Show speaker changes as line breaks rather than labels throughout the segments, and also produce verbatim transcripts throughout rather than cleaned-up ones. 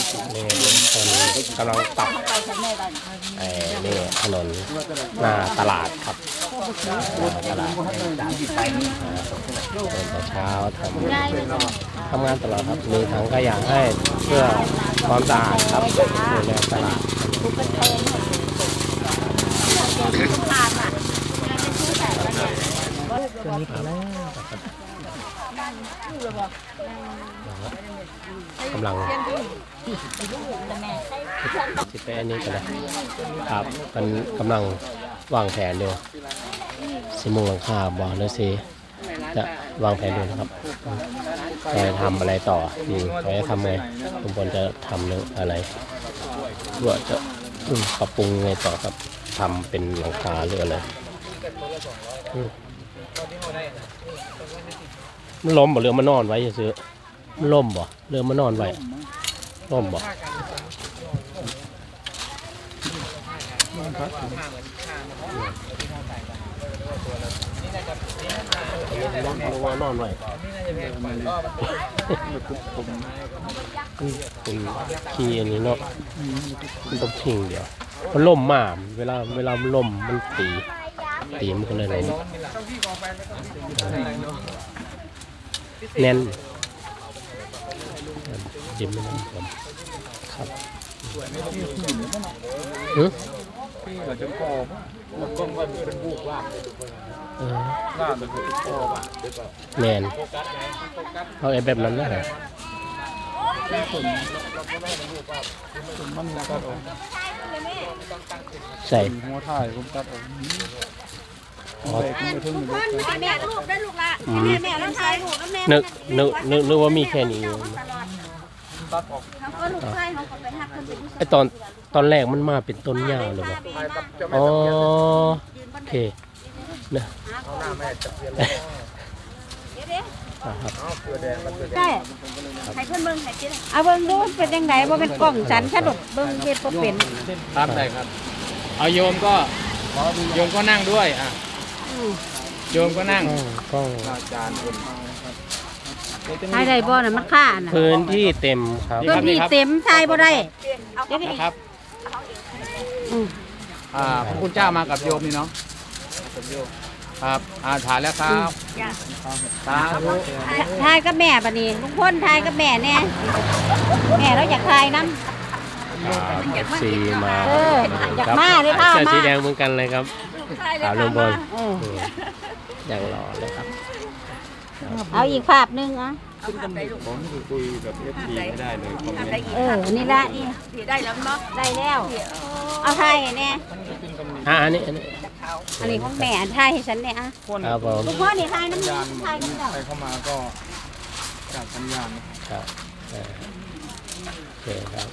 นี่คนกำลังปรับไอ้นี่ถนนหน้าตลาดครับตลาดแต่เช้าทำทำงานตลอดครับมีถังขยะให้เพื่อความสะอาดครับดูแลตลาดตัวนี้ก็แล้วกำลังสิไปอันนี้กันนะครับมันกำลังวางแผนอยู่สิมุงหลังคาบ่อหรือสิจะวางแผนดูนะครับจะทำอะไรต่ออืมเขาจะทำไงทุกคนจะทำเรื่องอะไรว่าจะปรับปรุงไงต่อครับทำเป็นหลังคาหรืออะไรมันล้มบ่เรือมันนอนไว้ซื้อมันล้มบ่เรือมันนอนไว้ล้มบ่นอนไว้เป็นขี้อันนี้เนาะมันต้องทิ้งเดียวมันล่มมากเวลาเวลามันล่มมันตีตีมันก็เลยล้มแน่นจิ้มไม่ได้ผมครับฮึพี่เราจะก่อมันก็ว่าเป็นบุกว่าเออว่ามันเป็นก่อว่าแน่นเอาไอ้แบบนั้นนะฮะใส่หัวถ่ายผมตัดออกแม่ลูกได้ลูกละแม่แม่แล้วถ่ายลูกแล้วแม่นึกนึกนึกนึกว่ามีแค่นี้ไอตอนตอนแรกมันมาเป็นต้นหญ้าเลยบ่อ๋อโอเคนะ
ใช่ให้เพิ่นเบิ่งให้กินเอาเบิ่งดูเป็นยังไงบ่เป็นกล้องฉันฉะดกเบิ่งเฮ็ดบ่เป็น
ครับได้ครับเอาโยมก็โยมก็นั่งด้วยอ่ะโยมก็นั่ง
กล้อง
อาจารย์
ถ่ายได้บ่น่ะมันค่าน่ะ
พื้นที่เต็มครับ
พื้นที่เต็มถ่ายบ่ได้
ครับอ่าพระคุณเจ้ามากับโยมนี่เนาะครับอ่าถ่ายแล้วครับสาธุ
ถ่ายกับแม่บัดนี้ลุงพลถ่ายกับแม่แน่แม่เราอยากถ่ายนำ
สีมา
เอออยากมาเลยค่ะมา
สีแดงเหมือนกันเลยครับขาวลุงพลอย่างหล่อเลยครับ
เอาอีกภาพนึงอ่ะ
ผมคุยกับเอฟซีไม่ได้เลย
เออนี่ละนี่ได้แล้วเนาะได้แล้วเอาถ่ายแน่
อ่ะอันนี้อันนี้
อันนี้ของแม่ถ่ายให้ฉันเนี่ยอ่ะ
ครับผม
ลูกพ่อนี่ถ่ายน้ำถ่ายน้ำเจ้า
ใครเข้ามาก็จัดสัญญาณ
ครับโอเคครับ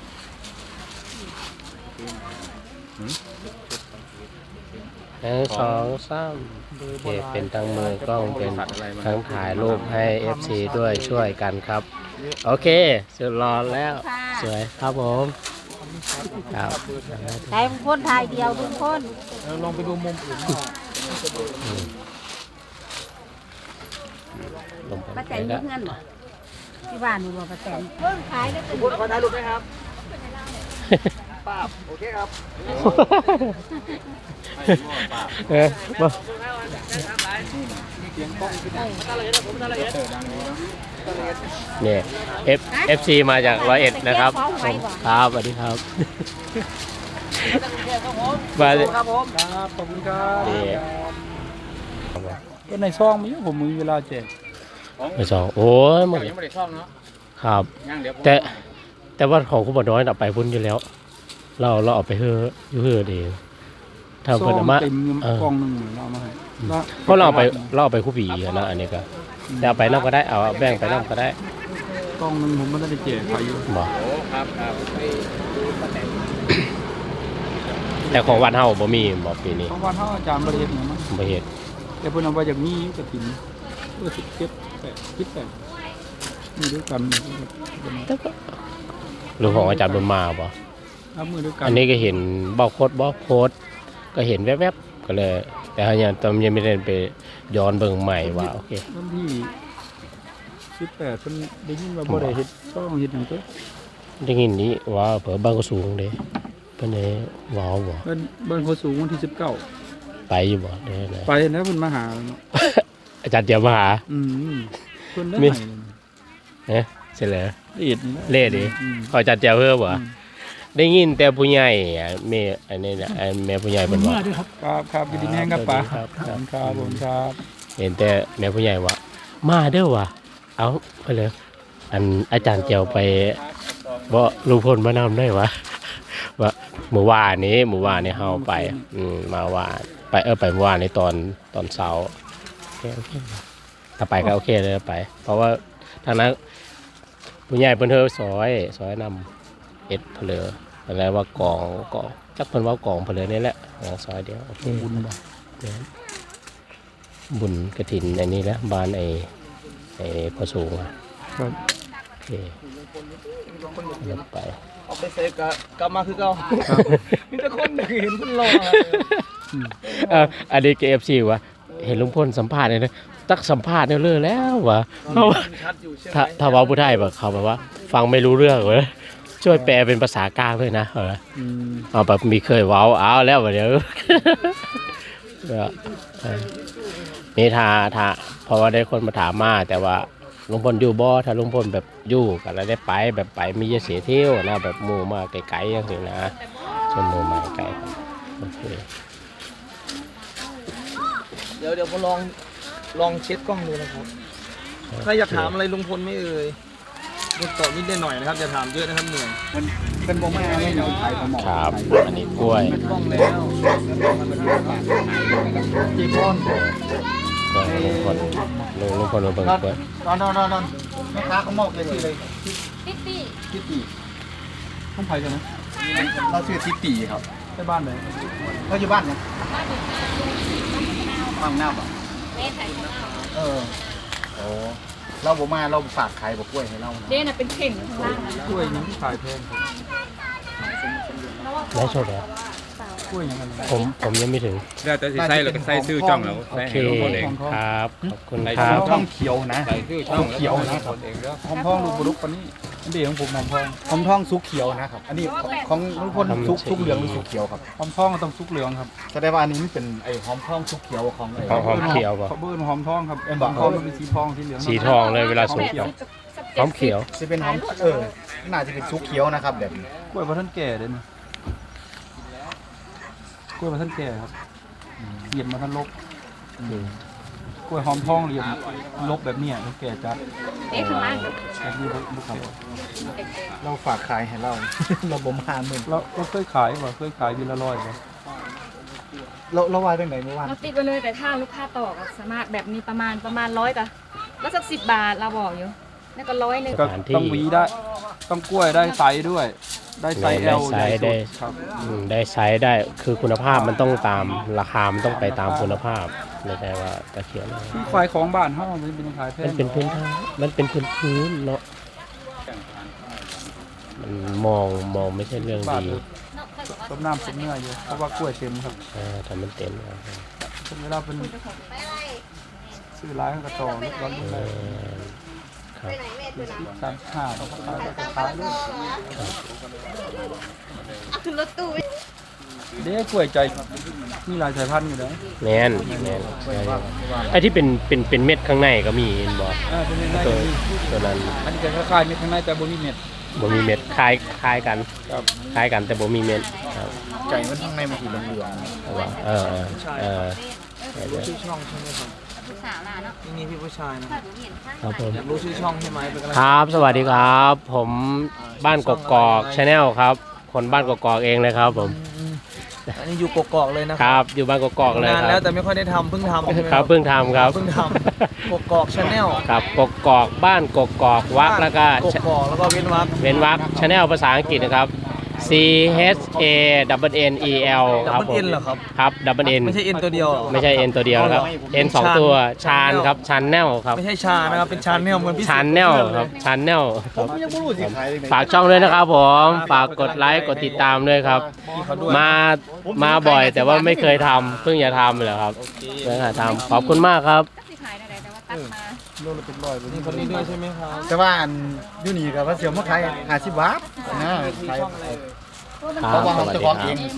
หนึ่งสองสามโอเคเป็นทั้งมือกล้องเป็นทั้งถ่ายรูปให้ เอฟ ซี ด้วยช่วยกันครับโอเคสุดรอแล้วสวยครับผมครับ
ถ่ายคนถ่ายเดียวทุกคน
ลองไปดูมุมอื่น
ป้าแตนมีเงินหรอที่บ้านมีบ่ป้าแตนเพิ่งขายได้เป็น
ขอถ่ายรูปไหมครับป้าโอเคครับ
เออมาเนี่ย F F C มาจากร้อยเอ็ดนะครับครับสวัสดีครับมา
ครับผมครับขอบคุณครับก็ในซองมีผมมีเวลาแจก
ในซองโอ้ยมัน
ยังไม่ได้ซองเนาะ
ครับแต่แต่ว่าของคุณบ่น้อยเอาไปพุ่นอยู่แล้วเราเราเอาไปเฮืออยู่เฮือเองถ้าเพิ่นเอามาเออกองนึงเรามาให้เพราะเราเอาไปเราเอาไปคู่ปีนะอันนี้ก็แต่เอาไปนำก็ได้เอาแบ่งไปนำก็ได้
กองนึงผมไม่ได้แจกใครอยู่
บ่
ครับครับ
แต่ของวัดเฮาบ่มีบ่ปีนี้
ของวัดเฮาอาจารย์บ่เฮ็ดหยังมั้ง
บ่เฮ็ด
แต่เพิ่นเอาไว้จากนี้อยู่กับถิ่นเออสิบเจ็ด แปด สิบแปดมีด้วยกัน
หรือของอาจารย์บุญมาบ่อันนี้ก็เห็นบอกโคตรบอกโคตรก็เห็นแวบๆก็เลยแต่ฮะยังตอนยังไม่ได้ไปย้อนเบิ่งใหม่ว่าโอเค
วันที่สิบแปดเพิ่นได้ยินว่าบ่ได้เฮ็ดต้องเฮ็ดหยังตัว
ได้ยินนี้ว่าเผื่อบ้านก็สูงเด้เพิ่นได้ว้าวบ่
เบิ้นเบิ้นโคสูงวันที่สิบเก้า
ไปอยู่บ่ได้ไหน
ไปแล้วเพิ่นมาหาเนาะ
อาจารย์เดี๋ยวมาหา
อืมเพิ่นได้
มี
ให้
เอ๊ะเสร็จแล้ว
ละเอียดนี่นะ
เล่ดิ
อืม
ขออาจารย์เดี๋ยวเพิ่มบ่
อืม
ได้ยินแต่ผู้ใหญ่อะแม่อันนี้น่ะไอ้แม่ผู้ใหญ่เพิ่นว่า
ครับครับยินดีแห้งครับป้า
ครับครับ
ครับผมครับ
เห็นแต่แม่ผู้ใหญ่ว่ามาเด้อว่ะเอาไปเลยอันอาจารย์เจียวไปบ่ลุงพลมานำได้วะว่าเมื่อวานนี้เมื่อวานนี้เฮาไปอืมมาว่าไปเออไปเมื่อวานในตอนตอนเช้าโอเคโอเคถ้าไปก็โอเคเลยไป เพราะว่าทางนั้นผู้ใหญ่เพิ่นเฮอซอยซอยนำเอ็ดเพลออะไรว่ากองกองจักเพิ่นว่ากองเพลอนี่แหละอ๋อซอยเดียวโอเค
บุญบ่
บุญกระถินอันนี้แหละบ้านไอ้ไอ้พอสูงอะ
ครับ
โอเคเดินไป
เอาไปเซฟกะกลับมาคือเก่ามีแต่คนเห็นคนรอ
เอออันนี้เกเอฟซีวะเห็นลุงพลสัมภาษณ์เลยนะตักสัมภาษณ์เนี่ยเลิกแล้ววะเพราะว่า
ชัดอยู่ใช่ไหม
ถ้าถ้าเว่าผู้ไทยแบบเขาแบบว่า ฟังไม่รู้เรื่องเลยช่วยแปลเป็นภาษากลางด้วยนะเออ
อืม
เอาแบบมีเคยเว้าเอาแล้วเดี๋ยว ก็เออนี่ทาทาเพราะว่าได้คนมาถามมาแต่ว่าลุงพลอยู่บ่ถ้าลุงพลแบบอยู่กันแล้วได้ไปแบบไปมีเยอะเสียเที่ยวนะแบบหมู่มาไกลๆอย่างนี้นะชวนหมู่มาไกลโอเค
เดี๋ยวเดี๋ยวมาลองลองเช็ดกล้องดูนะครับใครอยากถามอะไรลุงพลไหม่เอ่ยดูตอบนิดหน่อยนะครับอย่าถามเยอะนะครับเหนื่อย
มันเป็นบ่มาไม่ยอมขายของหมอ
ครับอันนี้กล้วย
เป็นกล้องแล้วจีบอล
กล้วยลุงพลลุงลุงพลมาเบิ่งกล้วย
นอนนอนนอนนอนแม่ค้าเขามอบเลยชื่อเลยทิตตี้ทิตตี้ห้องไผ่ใช่ไหมเราชื่อทิตตี้ครับใช่บ้านไหนเราอยู่บ้านนะบ้านหน้าป่ะเออโอ้เราบ่มาเราฝากขายบ่กล้วยให้เรานะ
เด่นเป็นเข่งข้างล่างนะ
กล้วยยังที่ขายแพงครับ
ได้โชคแล้ว
กล้วยยังไง
ผมผมยังไม่ถึง
แล้วแต่สิใส่แล้วก็ใส่ซื้อจ้องแล้ว
โอ
ใส่
เค
ให้ลุงพลเอง
ครับขอบคุณ
ใส่
ค
ซื้
รั
อบ จ้อง
เขียวนะ
ใส่ซื้อจ้องแล้ว
เขียวนะ
คนเองเด้อ
หอมทองลูกบุรุษปานนี้อันเดียวของผมหอมทองหอมทองสุกเขียวนะครับ อันนี้ของทุกคนสุกสุกเหลืองหรือสุกเขียวครับหอมทองต้องสุกเหลืองครับแสดงว่าอันนี้มันเป็นไอ้หอมทองสุกเขียวของไอ้
หอมหอมเขียวป่ะ
เขาเบิ้ลหอมทองครับหอมทองมันเป็นสีทองสีเหลือง
สีทองเลยเวลาสุกหอมเขียว
จะเป็นหอมเออน่าจะเป็นสุกเขียวนะครับแบบนี้กล้วยพระท่านแก่เด่นกล้วยพระท่านแก่ครับเหยียบมาท่านลบกล้วยหอมทองเหยียบลบแบบเนี้ยท่านแก่จัด
เอ๊ะข้างล่าง
แบบนี้บุคคลเราฝากขายให้เรา เราบ่มาหมื่นเราเราเคยขายป่ะเคยขายวิละร้อยป่ะเราเราวายตั้งไหนเมื่อวาน
เราติดไปเลยแต่ถ้าลูกค้าต่อก็สามารถแบบนี้ประมาณประมาณร้อยกะแล้วสักสิบบาทเราบอกอยู่แล้วก็ร้อยหนึ่ง
ก็ต้องหวีได้ ต้องกล้วยได้ไซส์ด้วย ได้ไซส์
ได้
L
ไซ
ใหญ่
ส์
สุ
ได้
ดครับ
อืมได้ไซส์ได้คือคุณภาพมันต้องตามราคามันต้องไปตามคุณภาพไม่ใช่ว่าตะเขียวนะ
ที่ขายของบ้านเฮามันเป็นขายแพ
มัน
ง
เป็นพื้นทางมันเป็นพื้นพื้นเนาะมันมองมองไม่ใช่เรื่อง
บาท
ดี
ต้มน้ำต้มเนื้ออยู่เพราะว่ากล้วยเต็มครับ
เออทำมันเต็มแล้ว
เป็นเวลาเป็นซื้อร้านก็ต่อรถร้อน
เอ
เลย
อครับ
สิบสามห้าเขาก็ขายก็ขายเลย
รถตู้
เด้กล้วยใจมีหลายสายพันธุ์อยู่นะ
แน่นแน่นไอ้ที่เป็นเป็นเป็นเม็ดข้างในก็มีเห็นบ่
อ่าเป็นยังไง
ตัวตัวนั้น
อันนี้จะคล้ายๆมีข้างในแต่บ่มีเม็ด
บ่มีเม็ดคล้ายคล้ายกัน
ครับ
คล้ายกันแต่บ่มีเม็ดครับ
ไก่มันข้างในมันสีเหลือง
เอาว่าเออเออเออเออ
รู้ชื่อช่องใช่ไหมครับ
ผู้สาวล่ะเนาะ
นี่นี่พี่ผู้ชายนะ
ถ้าหนูเห็นข้าง
ครับผม
อยากรู้ชื่อช่องใช่ไหมเป็นกำลัง
ครับ สวัสดีครับ ผมบ้านกกอกชาแนลครับ คนบ้านกกอกเองเลยครับผม
อันนี้อยู่กกอกเลยนะ
ครับ อยู่บ้านกกอกเลย
นาน
ค
แล้
รั
ว
บ
แต่ไม่ค่อยได้ทำเพิ่งทำใช่ไหม
ครับเพิ่งทำครับ
เพิ่งทำกกอกชาแนล
ครับกกอกบ้านกกอกวักแล้วก็
กกอกแล้วก็เว้นวรรค
เว้นวรรคชาแนลภาษาอังกฤษนะครับ C H A W N E L
ดับ
ครับ
เบิล
ผ
เอ็
ม
นเหรอครับ
ครับ W N
ไม่ใช่เอ็นตัวเดียวเหรอ
ไม่ใช่ N ตัวเดียวครับ N สองตัวชานครับชานแนลครับ
ไม่ใช่ชานะครับเป็นชาแนลเหมือนพี่
ชานแนลครับชานแนลค
ผ
รับ
มยังไม่รู้สิขายยังไง
ฝากช่องด้วยนะครับผมฝากกดไลค์กดติดตามด้วยครับ
พี่เขาด้วย
มามาบ่อยแต่ว่าไม่เคยทำเพิ่งจะทำเลยครับเพิ่งจะทำขอบคุณมากครับ
ก็สิขายได้แต่ว่าตัดมา
โลละเป็นร้อย
นี่คนนี้ด้วยใช่ไหมครับ
แต่ว่าอันยูนี่กับว่าเสียวมาขายห้าสิบบาท
โอ้
นะ
ที่
ใคร
ช่องอะไรเอ่ย
ครั
เพราะ
บ
ว่า
ส
เรา
วัส
จะ
ดี
ของ
ครั
เอบ ง